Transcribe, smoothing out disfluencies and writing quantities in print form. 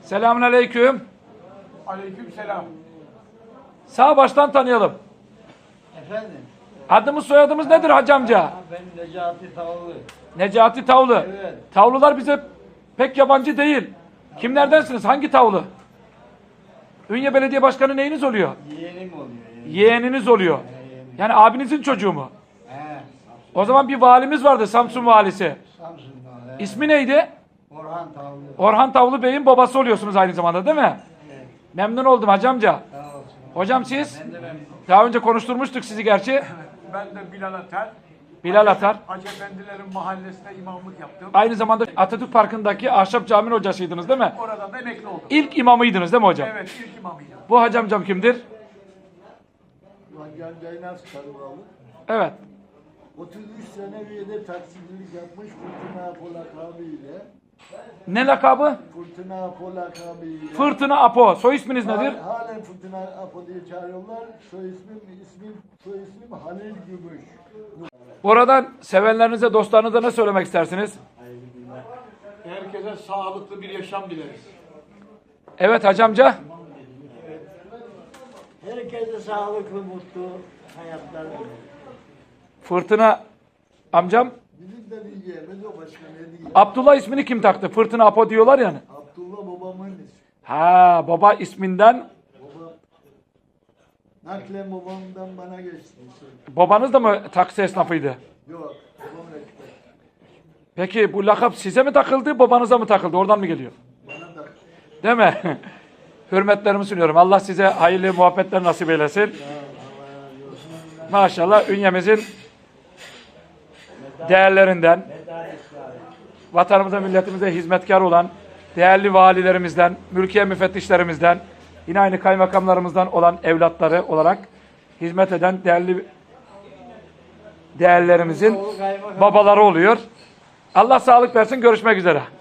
Selamünaleyküm. Aleykümselam. Sağ baştan tanıyalım. Efendim? Adımız soyadımız nedir hacı amca? Ben Necati Tavlı. Necati Tavlı. Evet. Tavlular bize pek yabancı değil. Kimlerdensiniz? Hangi tavlu? Ünye Belediye Başkanı neyiniz oluyor? Yeğenim oluyor. Yeğeniniz oluyor. Yani abinizin çocuğu mu? He. O zaman bir valimiz vardı, Samsun valisi. Samsun'da. He. İsmi neydi? Orhan Tavlı. Orhan Tavlı Bey'in babası oluyorsunuz aynı zamanda, değil mi? Evet. Memnun oldum hacı amca. Sağ olsun. Hocam siz? Ben de memnunum. Daha önce konuşturmuştuk sizi gerçi. Ben de Bilal Atar. Bilal Atar. Hacı Efendilerin mahallesine imamlık yaptım. Aynı zamanda Atatürk Parkı'ndaki Ahşap Camii'nin hocasıydınız, değil mi? Oradan da emekli oldum. İlk imamıydınız değil mi hocam? Evet, ilk imamıydım. Bu hacı amcam kimdir? Can Caynaz Karıvalı. Evet. 33 sene üyede taksicilik yapmış Fırtına Apo lakabıyla. Ne lakabı? Fırtına Apo lakabıyla. Fırtına Apo. Soy isminiz nedir? Halen Fırtına Apo diye çağırıyorlar. Soy ismim Halil Gümüş. Buradan sevenlerinize, dostlarınıza ne söylemek istersiniz? Herkese sağlıklı bir yaşam dileriz. Evet hacı amca. Herkese sağlıklı, mutlu hayatlar dilerim. Fırtına amcam. Bizim de bir yerimiz o başka ne diyeyim. Abdullah ismini kim taktı? Fırtına Apo diyorlar yani. Abdullah babamın ismi. Ha, baba isminden. Babam. Naklen babamdan bana geçti. Babanız da mı taksi esnafıydı? Yok. Babam ekber. Peki bu lakap size mi takıldı, babanıza mı takıldı? Oradan mı geliyor? Bana da. Değil mi? Hürmetlerimi sunuyorum. Allah size hayırlı muhabbetler nasip eylesin. Maşallah Ünye'mizin değerlerinden, vatanımıza, milletimize hizmetkar olan değerli valilerimizden, mülkiye müfettişlerimizden, yine aynı kaymakamlarımızdan olan evlatları olarak hizmet eden değerli değerlerimizin babaları oluyor. Allah sağlık versin. Görüşmek üzere.